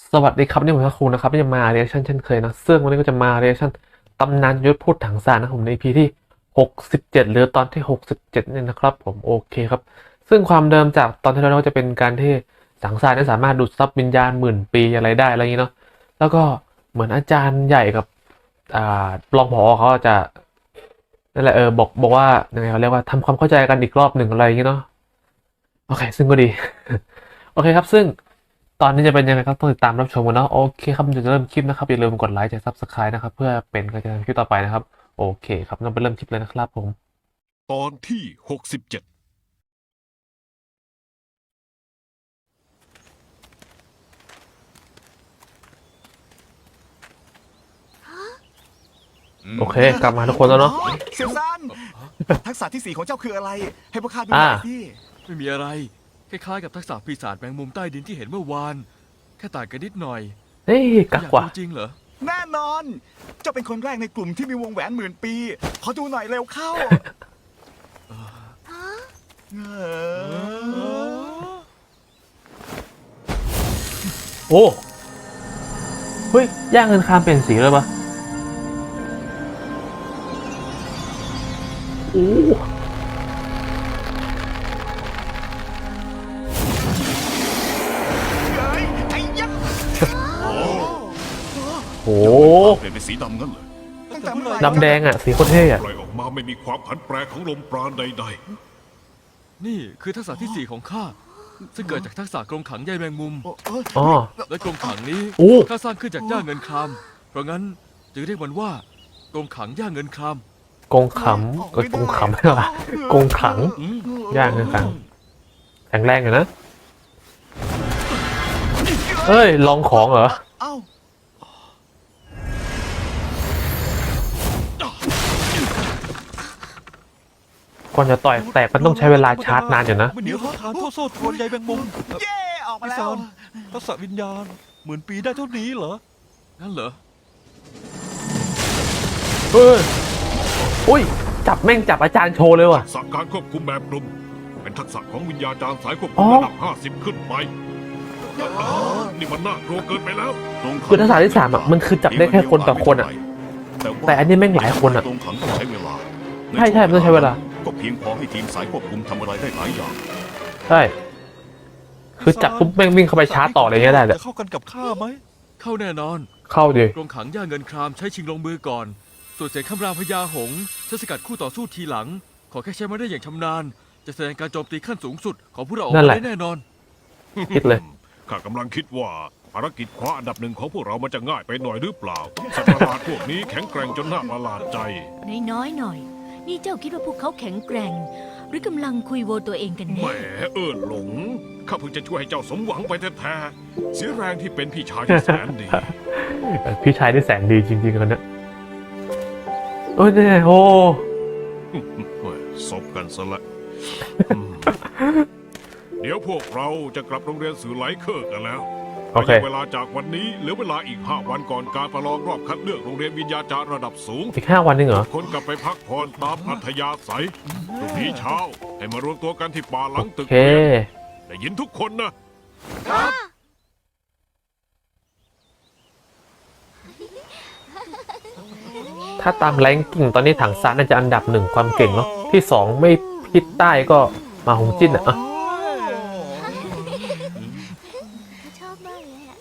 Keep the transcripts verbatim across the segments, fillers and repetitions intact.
สวัสดีครับนี่ผมทักคูนะครับที่จะมาเรีแอคชั่นเช่นเคยนะซึ่งวันนี้ก็จะมาเรีแอคชั่นตำนานยุทธพูดถังซานนะผมใน อี พี ที่หกสิบเจ็ดหรือตอนที่หกสิบเจ็ดนี่นะครับผมโอเคครับซึ่งความเดิมจากตอนที่แล้วก็จะเป็นการที่ถังซานนั้นสามารถดูดซับวิญญาณหมื่นปีอะไรได้อะไรอย่างนี้เนาะแล้วก็เหมือนอาจารย์ใหญ่กับอ่ารองผอเขาจะนั่นแหละเออบอกบอกว่ายังไงเขาเรียกว่าทำความเข้าใจกันอีกรอบหนึ่งอะไรอย่างนี้เนาะโอเคซึ่งก็ดี โอเคครับซึ่งตอนนี้จะเป็นยังไงครับต้องติดตามรับชมกันเนาะโอเคครับเดี๋ยวจะเริ่มคลิปนะครับอย่าลืมกดไลค์กด ซับสไครบ์ นะครับเพื่อเป็นกำลังใจในคลิปต่อไปนะครับโอเคครับงั้นไปเริ่มคลิปเลยนะครับผมตอนที่หกสิบเจ็ดโอเคกลับมาทุกคนแล้วเนาะเซียวซันทักษะที่สี่ของเจ้าคืออะไร ให้พวกข้าดูหอ่าน่อยพี่ไม่มีอะไร คล้ายๆกับทักษะปีศาจแมงมุมใต้ดินที่เห็นเมื่อวาน แค่ต่างกันนิดหน่อยเฮ้ยกักอยากว่ะดูจริงเหรอแน่นอน เจ้าเป็นคนแรกในกลุ่มที่มีวงแหวนหมื่นปี ขอดูหน่อยเร็วเข้าเออโอ้เฮ้ยย่างเงินคามเปลี่ยนสีเลยปะโอ้เฮ้ยไอ้ยักษ์โหเปลี่ยนเป็นสีดำงั้นเลยตั้งแต่เมื่อไหร่ดำแดงอ่ะสีโคตรเท่อะปล่อยออกมาไม่มีความผันแปรของลมปราณใดนี่คือทักษะที่สี่ของข้า ซึ่งเกิดจากทักษะกรงขังใยแมงมุมโอ้เอ้ยอ๋อและกรงขังนี้โอ้ข้าสร้างขึ้นจากย่าเงินคราม เพราะงั้นจึงเรียกมันว่ากรงขังย่าเงินครามกงขำก็กงขำไม่หรอกงขังย่างเงินขังแข็งแรงอยู่นะเอ้ยลองของเหรอเอ้าก่อนจะต่อยแตกมันต้องใช้เวลาชาร์จนานอยู่นะไม่เหนียวเท่าทานเท่าโซ่ตรวนใยแมงมุมเย่ออกมาพิแล้ซาว นทักษะวิญญาณหมื่นปีได้เท่านี้เหรอนั่นเหรอเอออุ้ยจับแม่งจับอาจารย์โชว์เลยๆว่ะทักษะการควบคุมแบบกลุ่มเป็นทักษะของวิญญาจารย์สายควบอ๋คุอมระดับห้าสิบขึ้นไปนี่มันน่ากลัวเกินไปแล้วคือทักษะที่สามอ่ะมันคือจับได้แค่คนต่อคนอ่ะ แต่อันนี้แม่งหลายคนอะตรงขังต้องใช้เวลาใช่ใช่มันต้องใช้เวลาก็เพียงพอให้ทีมสายควบคุมทำอะไรได้หลายอย่างใช่คือจับปุ๊บแม่งวิ่งเข้าไปชาร์จต่ออะไรเงี้ยได้เลยจะเข้ากันกับข้าไหมเข้าแน่นอนเข้าดิกรงขังย่าเงินครามใช้ชิงลงมือก่อน ส่วนเสียงคำรามพญาหงส์ใช้สกัดคู่ต่อสู้ทีหลัง ขอแค่ใช้มาได้อย่างชำนาญ จะแสดงการโจมตีขั้นสูงสุดของพวกเราออกมาได้แน่นอนคิดเลยข้ากำลังคิดว่าภารกิจคว้าอันดับหนึ่งของพวกเรามันจะง่ายไปหน่อยหรือเปล่าสัตว์ประหลาดพวกนี้แข็งแกร่งจนน่าประหลาดใจน้อยๆหน่อย นี่เจ้าคิดว่าพวกเขาแข็งแกร่ง หรือกำลังคุยโวตัวเองกันแหมแน่เอิญหลง ข้าเพิ่งจะช่วยให้เจ้าสมหวังไปแท้ๆเสียแรงที่เป็นพี่ชายที่แสนดีพี่ชายที่แสนดีจริงๆกันนะโอ้ยเนี่ยโอ้เฮ้ยซบกันซะละอืมเดี๋ยวพวกเราจะกลับโรงเรียนสื่อไหลเคอร์กันแล้วโอเคระยะเวลาจากวันนี้เหลือเวลาอีกห้าวันก่อนการประลองรอบคัดเลือกโรงเรียนวิญญาจารย์ระดับสูงอีกห้าวันนึงเหรอคนกลับไปพักผ่อนตามอัธยาศัยพรุ่งนี้เช้า ให้มารวมตัวกันที่ป่าหลังตึโอก เคเรียนได้ยินทุกคนนะถ้าตามแรงกิ่งตอนนี้ถังซานน่าจะอันดับหนึ่งความเก่งเนาะที่สองไม่พิดใต้ก็มาหงจิ้นอ่ะอ่ะชอบมากเลยอ่ะ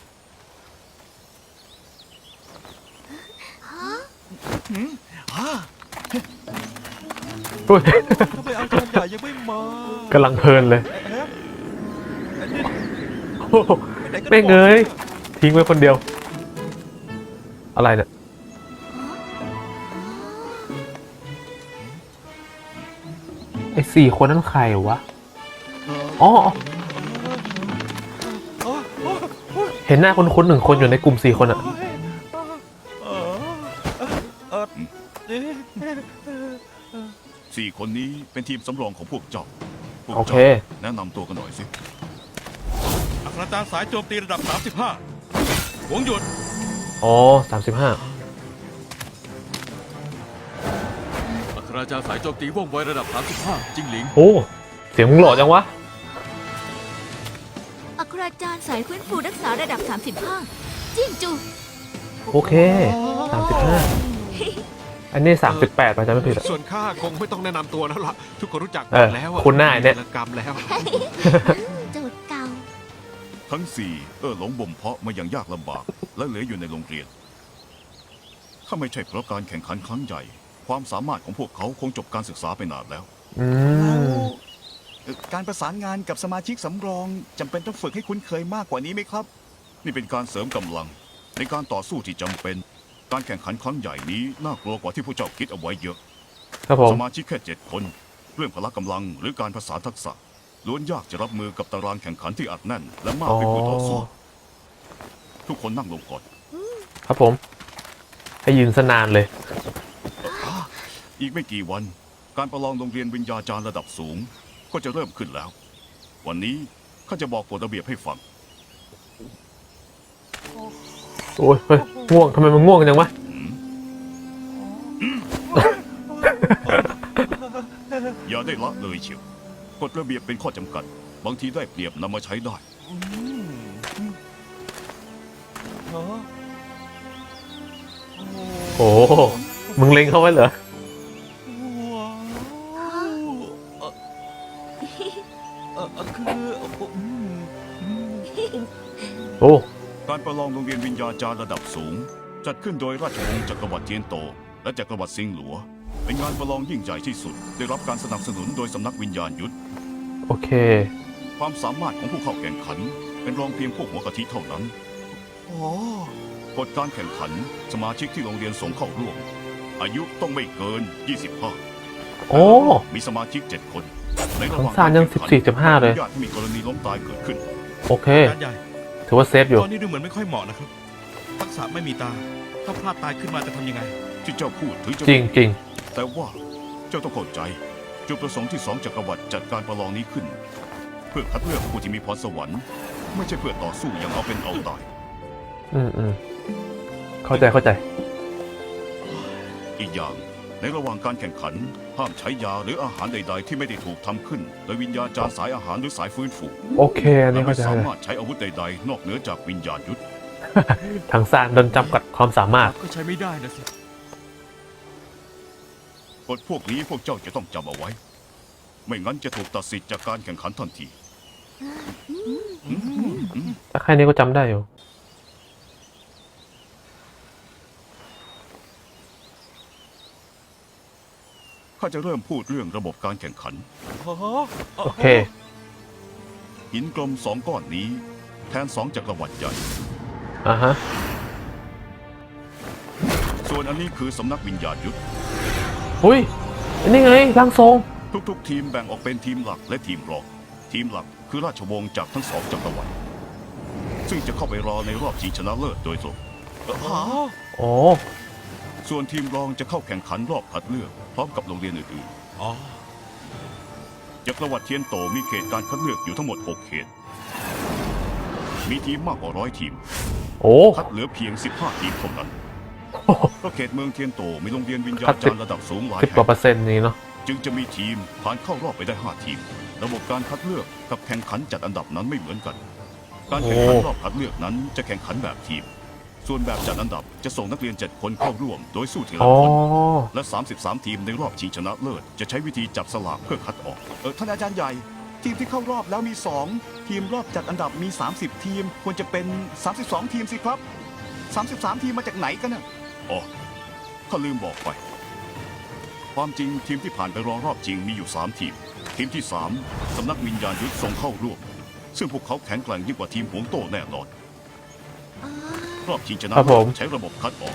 อุ้ยทำไมอาจารย์ใหญ่ยังไม่มากำลังเพลินเลยแอบอันนี้โอ้โหไปไหนกันแม่งเอ้ยทิ้งไว้คนเดียว อะไรเนี่ยไอ้สี่คนนั้นใครวะอ๋ออ๋ออ๋ออ๋ออ๋อเห็นหน้าคนคนๆหนึ่งคนอยู่ในกลุ่มสี่คนอะเออเออเอ๊ะสี่คนนี้เป็นทีมสำรองของพวกเจ้าพวกโอเคเจ้าแนะนำตัวกันหน่อยสิอัครจารย์สายโจมตีระดับ สามสิบห้า หวงหยุดอ๋อสามสิบห้าอัครราชาสายโจมตีว่องไวระดับสามสิบห้าจิงหลิงโอ้เสียงมึงหล่อจังวะอัครราจารย์สายฟื้นฟูรักษาระดับ สามสิบห้า จิ้งจูโอเคสามสิบห้าอันนี้สามสิบแปดป่ะจำไม่ผิดอะส่วนข้าคงไม่ต้องแนะนำตัวแล้วล่ะ ทุกคนรู้จักหมเออดแล้วอะคุณหน้าเนี่ยมีกรรมแล้วจูดเก่าทั้งสี่เออหลงบ่มเพาะมาอย่างยากลำบาก และเหลืออยู่ในโรงเรียน ถ้าไม่ใช่เพราะการแข่งขันครั้งใหญ่ ความสามารถของพวกเขาคงจบการศึกษาไปนานแล้วอืมเอ่อการประสานงานกับสมาชิกสำรองจำเป็นต้องฝึกให้คุ้นเคยมากกว่านี้ไหมครับนี่เป็นการเสริมกำลัง ในการต่อสู้ที่จำเป็น การแข่งขันครั้งใหญ่นี้น่ากลัวกว่าที่ผู้เจ้าคิดเอาไว้เยอะครับผมสมาชิกแค่เจ็ดคน เรื่องพละกำลังหรือการผสานทักษะล้วนยากจะรับมือกับตารางแข่งขันที่อัดแน่น และมากอ๋อไปกว่าต่อสู้ทุกคนนั่งลงก่อนครับผม ให้ยืนสนานเลยอีกไม่กี่วัน การประลองโรงเรียนวิญญาจารย์ระดับสูง ก็จะเริ่มขึ้นแล้ว วันนี้ข้าจะบอกกฎระเบียบให้ฟังโอ้ยเฮ้ยง่วงทำไมมันง่วงจังวะอย่าได้ละเลยเชียวกฎระเบียบเป็นข้อจำกัด บางทีได้เปรียบนำมาใช้ได้โอ้มึงเล็งเข้าไว้เหรอ โอ้การประลองโรงเรียนวิญญาจารย์ระดับสูง จัดขึ้นโดยราชวงศ์จักรวรรดิเทียนโต และจักรวรรดิซิงหลัว เป็นงานประลองยิ่งใหญ่ที่สุด ได้รับการสนับสนุนโดยสำนักวิญญาณยุทธโอเคความสามารถของผู้เข้าแข่งขัน เป็นรองเพียงพวกหัวกะทิเท่านั้นโอ้กฎการแข่งขันสมาชิกที่โรงเรียนส่งเข้าร่วม อายุต้องไม่เกิน ยี่สิบห้าโอ้มีสมาชิกเจ็ดคนในระหของว่างซานยังกรแข่ขัสิบสี่จุดห้าเลยอนุญาตให้มีกรณีล้มตายเกิดขึ้นโอเคการใหญ่ถือว่าเซฟอยู่ตอนนี้ดูเหมือนไม่ค่อยเหมาะนะครับ ทักษะไม่มีตา ถ้าพลาดตายขึ้นมาจะทำยังไงที่เจ้าพูดถึงจะจริงจริงแต่ว่าเจ้าต้องเข้าใจ จุดประสงค์ที่สองจักรวรรดิจัดการประลองนี้ขึ้น เพื่อคัดเลือกผู้ที่มีพรสวรรค์ไม่ใช่เพื่อต่อสู้อย่างเอาเป็นเอาตายอืมอืมเข้าใจเข้าใจอีกอย่างในระหว่างการแข่งขัน ห้ามใช้ยาหรืออาหารใด ๆ ที่ไม่ได้ถูกทำขึ้น โดยวิญญาจารย์สายอาหารหรือสายฟื้นฟูโอเค อันและนี้ไม่เข้าใจสาเลยมารถใช้อาวุธใด ๆ นอกเหนือจากวิญญาณยุทธทางซานโดนจำกัดความสามารถก็ใช้ไม่ได้นะสิกฎพวกนี้พวกเจ้าจะต้องจำเอาไว้ ไม่งั้นจะถูกตัดสิทธิ์จากการแข่งขันทันทีแต่แค่นี้ก็จำได้อยู่ข้าจะเริ่มพูดเรื่องระบบการแข่งขันโอเคหินกลมสองก้อนนี้ แทนสองจักรวรรดิใหญ่อ่าฮะส่วนอันนี้คือสำนักวิญญาณยุทธอุ้ย อันนี้ไงร่างทรงทุกๆ ทีมแบ่งออกเป็นทีมหลักและทีมรอง ทีมหลักคือราชวงศ์จากทั้งสองจักรวรรดิซึ่งจะเข้าไปรอในรอบชิงชนะเลิศโดยตรงอ๋อส่วนทีมรองจะเข้าแข่งขันรอบคัดเลือกพร้อมกับโรงเรียนอื่นอ๋อๆจักรวรรดิเทียนโตมีเขตการคัดเลือกอยู่ทั้งหมดหกเขต มีทีมมากกว่าร้อยทีมโอ้คัดเหลือเพียงสิบห้าทีมเท่านั้นเพราะเขตเมืองเทียนโตมีโรงเรียนวิญญาณจารย์ระดับสูงหลายสิบกแห่ว่าง เปอร์เซ็นต์นี้เนาะจึงจะมีทีมผ่านเข้ารอบไปได้ห้าทีม ระบบการคัดเลือกกับแข่งขันจัดอันดับนั้นไม่เหมือนกัน การแข่งขันรอบคัดเลือกนั้นจะแข่งขันแบบทีม ส่วนแบบจัดอันดับจะส่งนักเรียนเจ็ดคนเข้าร่วม โดยสู้ทีละอ๋อคน และ สามสิบสาม ทีมในรอบชิงชนะเลิศจะใช้วิธีจับสลากเพื่อคัดออกเออท่านอาจารย์ใหญ่ ทีมที่เข้ารอบแล้วมีสองทีมรอบจัดอันดับมี สามสิบ ทีม ควรจะเป็น สามสิบสอง ทีมสิครับ สามสิบสาม ทีมมาจากไหนกันน่ะอ๋อข้าลืมบอกไป ความจริงทีมที่ผ่านไปรองรอบจริงมีอยู่สามทีม ทีมที่สามสำนักวิญญาณยุทธส่งเข้าร่วม ซึ่งพวกเขาแข็งแกร่งยิ่งกว่าทีมหวงโต้แน่นอน รอบชิงชนะครับผมใช้ระบบคัดออก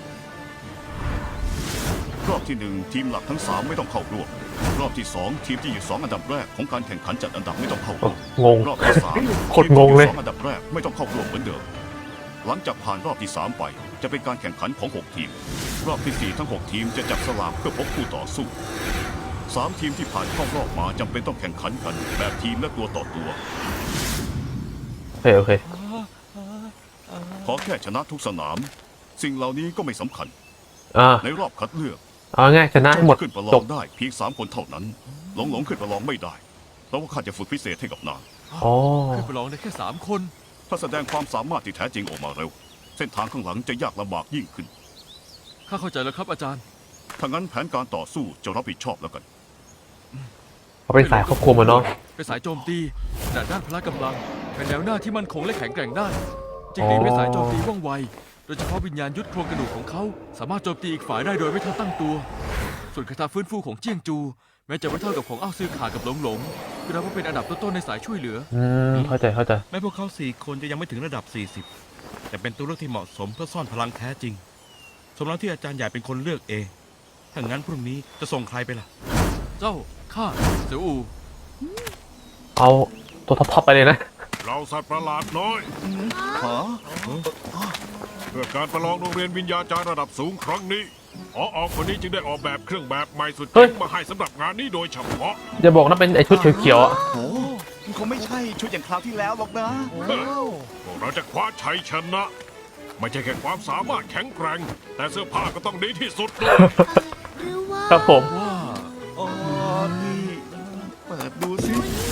รอบที่หนึ่งทีมหลักทั้งสามไม่ต้องเข้าร่วม รอบที่สองทีมที่อยู่สองอันดับแรกของการแข่งขันจัดอันดับไม่ต้องเข้าร่วมงงรอบที่สามโคตรงงเลยทีมที่อสองอันดับแรกไม่ต้องเข้าร่วมเหมือนเดิม หลังจากผ่านรอบที่สามไป จะเป็นการแข่งขันของหกทีม รอบที่สี่ทั้งหกทีมจะจับสลากเพื่อพบคู่ต่อสู้สามทีมที่ผ่านเข้ารอบมาจำเป็นต้องแข่งขันกันแบบทีมและตัวต่อตัวโอเค โอเคขอแค่ชนะทุกสนาม สิ่งเหล่านี้ก็ไม่สำคัญอ่าในรอบคัดเลือกเอาง่ายชนะให้หมดขึ้นประลจอบ งได้เพียงสามคนเท่านั้น หลงหลงขึ้นประลองไม่ได้ เพราะว่าข้าจะฝึกพิเศษให้กับนางอ๋อขึ้นประลองได้แค่สามคนถ้าแสดงความสามารถที่แท้จริงออกมาเร็ว เส้นทางข้างหลังจะยากลำบากยิ่งขึ้นข้าเข้าใจแล้วครับอาจารย์ถ้างั้นแผนการต่อสู้จะรับผิดชอบแล้วกันเขาเป็นสายครอบครัวมาเนาะเป็นสายโจมตีแต่ด้านพละกำลัง เป็นแนวหน้าที่มั่นคงและแข็งแกร่งได้จิงหลีเป็นสายโจมตีว่องไว โดยเฉพาะวิญญาณยุทธโครงกระดูกของเขา สามารถโจมตีอีกฝ่ายได้โดยไม่ทันตั้งตัว ส่วนคาถาฟื้นฟูของเจียงจู แม้จะไม่เท่ากับของอ้าวซือขากับหลงหลงก็นับว่าเป็นอันดับต้นๆในสายช่วยเหลืออืม เข้าใจเข้าใจแม้พวกเขาสี่คนจะยังไม่ถึงระดับ สี่สิบ แต่เป็นตัวเลือกที่เหมาะสมเพื่อซ่อนพลังแท้จริง สมแล้วที่อาจารย์ใหญ่เป็นคนเลือกเอง ถ้างั้นพรุ่งนี้จะส่งใครไปล่ะเจ้า ข้า เสี่ยวอูเอาตัวท็อปๆไปเลยนะเราสัตว์ประหลาดน้อยฮะเพื่อการประลองโรงเรียนวิญญาจารย์ระดับสูงครั้งนี้พอออกคนนี้จึงได้ออกแบบเครื่องแบบใหม่สุดเฮ้เจ๋ยงมาให้สำหรับงานนี้โดยเฉพาะอย่าบอกนะเป็นไอชุดเขียวๆอ่ะโอ้มันคงไม่ใช่ชุดอย่างคราวที่แล้วหรอกนะพวกเราจะคว้าชัยชนะ ไม่ใช่แค่ความสามารถแข็งแกร่ง แต่เสื้อผ้าก็ต้องดีที่สุดด้วยหรือว่าครับผมว่าอ๋อนี่เปิดดูสิ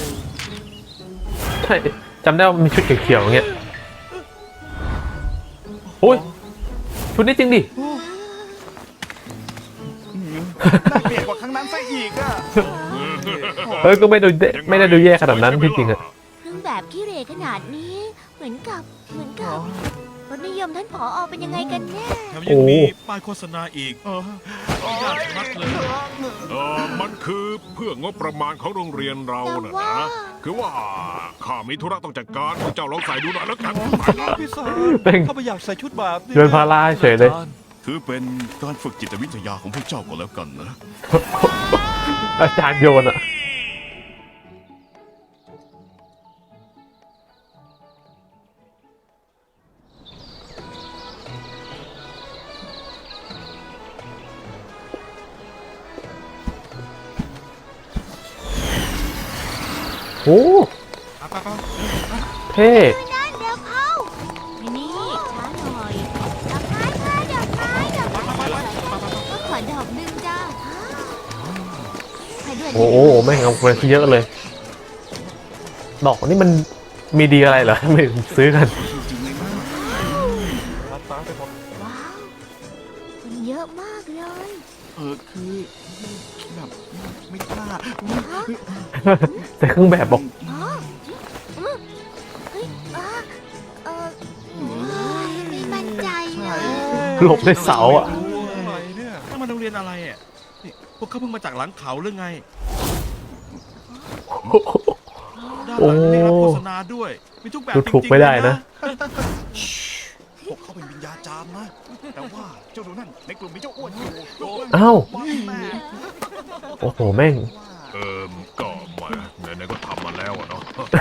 ใช่จำได้ว่ามีชุดเขียวๆอย่างเงี้ยโอ้ย ชุดนี้จริงดิน่าเกลียดกว่าครั้งนั้นซะอีกอะเฮ้ย ก็ไม่ดูเดไม่ได้ดูแย่ขนาดนั้นที่จริงอ่ะเครื่องแบบขี้เหร่ขนาดนี้ เหมือนกับเหมือนกับรสนิยมท่านผออเป็นยังไงกันแน่แถมยังมีโอ้ป้ายโฆษณาอีกเออยากชัดเลยเออมันคือเพื่องบประมาณของโรงเรียนเราน่ะแต่ว่านะ คือว่าข้ามีธุระต้องจัดการพวกเจ้าลองใส่ดูหน่อยแล้วกันพี่สารเป็นเขาไม่อยากใส่ชุดแบบนี้โยนพาราเฉยเลยอาจารย์ถือเป็นการฝึกจิตวิทยาของพวกเจ้าก็แล้วกันนะอาจารย์โยนอ่ะ โอ้เท่นั่นเร็วเข้านี่ช้าหน่อยดอกไม้ค่ะดอกไม้ดอกไม้ก็ขอดอกหนึ่งจ้าใครด้วยโอ้โหแม่งเอาไปเยอะเลย ดอกนี่มันมีดีอะไรเหรอ ไม่ถึงซื้อกันรับตาไปหมดว้าวคนเยอะมากเลยเออคือแบบไม่กล้าแต่เครื่องแบบบอกอ๋ออืมเฮ้ยอ่าเออไม่มั่นใจเลยหลบในเสาอ่ะอะไรเนี่ยถ้ามันโรงเรียนอะไรอ่ะนี่พวกเขาเพิ่งมาจากหลังเขาหรือไง ด้านหลังนี่รับโฆษณาด้วย มีทุกแบบดูจถูกริงๆไม่ได้เลยนะพวกเขาเป็นวิญญาจารย์นะ แต่ว่าเจ้าดูนั่นในกลุ่มมีเจ้าอ้วนอยู่อ้าวว่าแม่โอ้โห แม่งเออก็มาไหนๆก็ทำมาแล้วอะเนาะ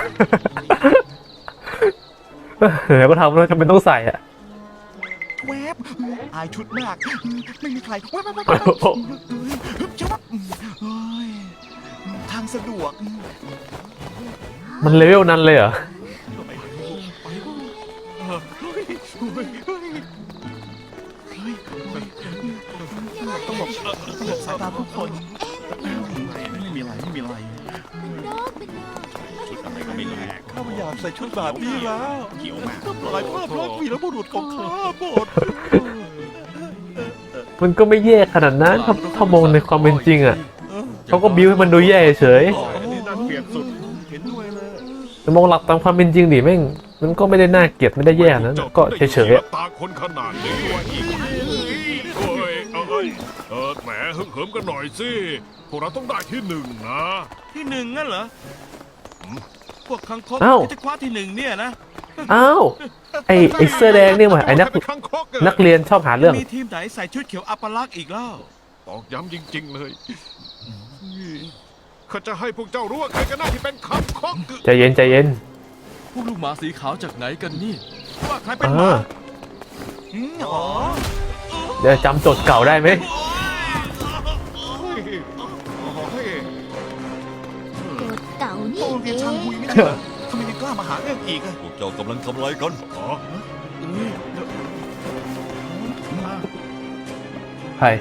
เดี๋ยวก็ทำแล้วจำเป็นต้องใส่อ่ะแวบอายชุดมาก ไม่มีใครแวบแวบแวบแวบจะว่าเฮ้ยทางสะดวกมันเลเวลนั้นเลยเหรอไปไปเออเฮ้ยเฮ้ยเฮ้ยเฮ้ยต้องหลบต้องหลบสายตาทุกคนไม่มีอะไรไม่มีอะไรเป็นนกเป็นนกชุดอะไรก็ไม่รู้ข้าไม่อยากใส่ชุดแบบนี้แล้วเขียวมากทำลายภาพลักษณ์วีรบุรุษของข้าหมดมันก็ไม่แย่ขนาดนั้นถ้าถ้ามองในความเป็นจริงอ่ะ เขาก็บิ้วให้มันดูแย่เฉยนี่น่าเกลียดสุด เห็นด้วยเลยแต่มองหลักตามความเป็นจริงดิแม่ง มันก็ไม่ได้น่าเกลียดไม่ได้แย่ขนาดนั้นอะก็เฉยๆอะตาคนขนาดนี้วะอีกโอ้ยเอ้ยเออแหมฮึ่มเหิมกันหน่อยสิพวกเราต้องได้ที่หนึ่งนะที่หนึ่งงั้นเหรอ พวกคังคกอ้าวที่จะคว้าที่หนึ่งเนี่ยนะอ้าว ไอไอเสื้อแดงนี่หว่าไอนักใครเป็นข้างคกอะนักเรียนชอบหาเรื่องมีทีมไหนใส่ชุดเขียวอัปลักษณ์อีกแล้วตอกย้ำจริง ๆ เลยข้าจะให้พวกเจ้ารู้ว่าใครกันแน่ที่เป็นข้างคกใจเย็นใจเย็นพวกลูกหมาสีขาวจากไหนกันนี่ว่าใครเป็นอ่าหมาอืมอ๋อเดี๋ยวจำโจทย์เก่าได้ไหมเฮ้ยโดดเต่านี่โรงเอเรียนช่างงหุยไม่ใช่เหรอทำไมยังกล้ามาหาเรื่องอีกอะพวกเจ้ากำลังทำอะไรกันอ๋อเอ้ยเดี๋ยวมาใคร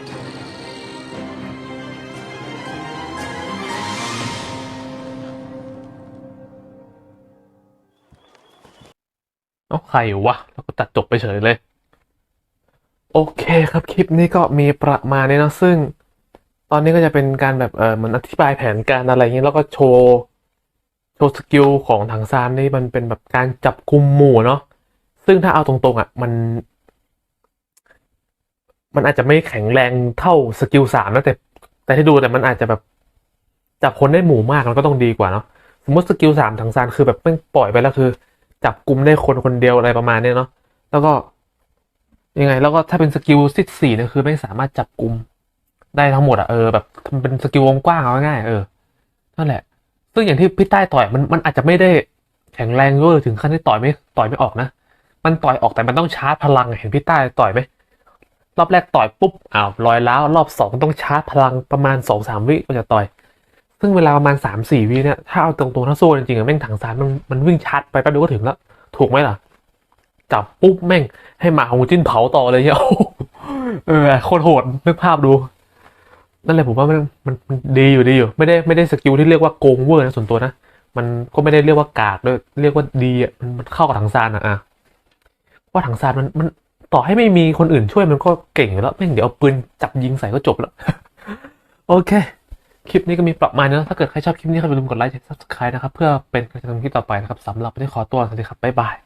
เอาใครวะแล้วก็ตัดจบไปเฉยเลย โอเคครับคลิปนี้ก็มีประมาณนี้เนอะซึ่ง ตอนนี้ก็จะเป็นการแบบเออเหมือนอธิบายแผนการอะไรอย่างนี้แล้วก็โชว์โชว์สกิลของถังซานนี่มันเป็นแบบการจับกุมหมู่เนาะซึ่งถ้าเอาตรงๆอ่ะมัน มันอาจจะไม่แข็งแรงเท่าสกิลสามนะแต่แต่ที่ดูแต่มันอาจจะแบบจับคนได้หมู่มากมันก็ต้องดีกว่าเนาะสมมติสกิลสามถังซานคือแบบแม่งปล่อยไปแล้วคือ จับกุมได้คนคนเดียวอะไรประมาณเนี้ยเนาะแล้วก็ยังไงแล้วก็ถ้าเป็นสกิลซิสี่เนี่ยคือไม่สามารถจับกุมได้ทั้งหมดอะเออแบบมันเป็นสกิลวงกว้างเอาง่ายๆเออนั่นแหละ ซึ่งอย่างที่พี่ใต้ต่อยมันมันอาจจะไม่ได้แข็งแรงเวอร์ถึงขั้นที่ต่อยไม่ต่อยไม่ออกนะมันต่อยออกแต่มันต้องชาร์จพลังอะเห็นพี่ใต้ต่อยไหมรอบแรกต่อยปุ๊บอ้าวลอยล้าวรอบสองต้องชาร์จพลังประมาณสองสามวิก็จะต่อย ซึ่งเวลาประมาณสามสี่วิเนี่ยถ้าเอาตรงๆถ้าสู้จริงๆอะแม่งถังซานมันมันวิ่งชาร์จไปแป๊บเดียวก็ถึงแล้วถูกไหมล่ะจับปุ๊บแม่งให้หมาของจิ้นเผาต่อเลยเนี่ย เออโคตรโหดนึกภาพดูนั่นแหละผมว่ามันมันมันดีอยู่ดีอยู่ไม่ได้ไม่ได้สกิลที่เรียกว่าโกงเวอร์นะส่วนตัวนะมันก็ไม่ได้เรียกว่ากากด้วยเรียกว่าดีอ่ะมันมันเข้ากับถังซานอ่ะอ่ะว่าถังซานมันมันต่อให้ไม่มีคนอื่นช่วยมันก็เก่งอยู่แล้วแม่งเดี๋ยวเอาปืนจับยิงใส่ก็จบแล้ว โอเค คลิปนี้ก็มีประมาณนี้นะถ้าเกิดใครชอบคลิปนี้ก็อย่าลืมกดไลค์กด ซับสไครบ์ นะครับเพื่อเป็นกำลังใจทำคลิปต่อไปนะครับสำหรับวันนี้ขอตัวสวัสดีครับบ๊ายบาย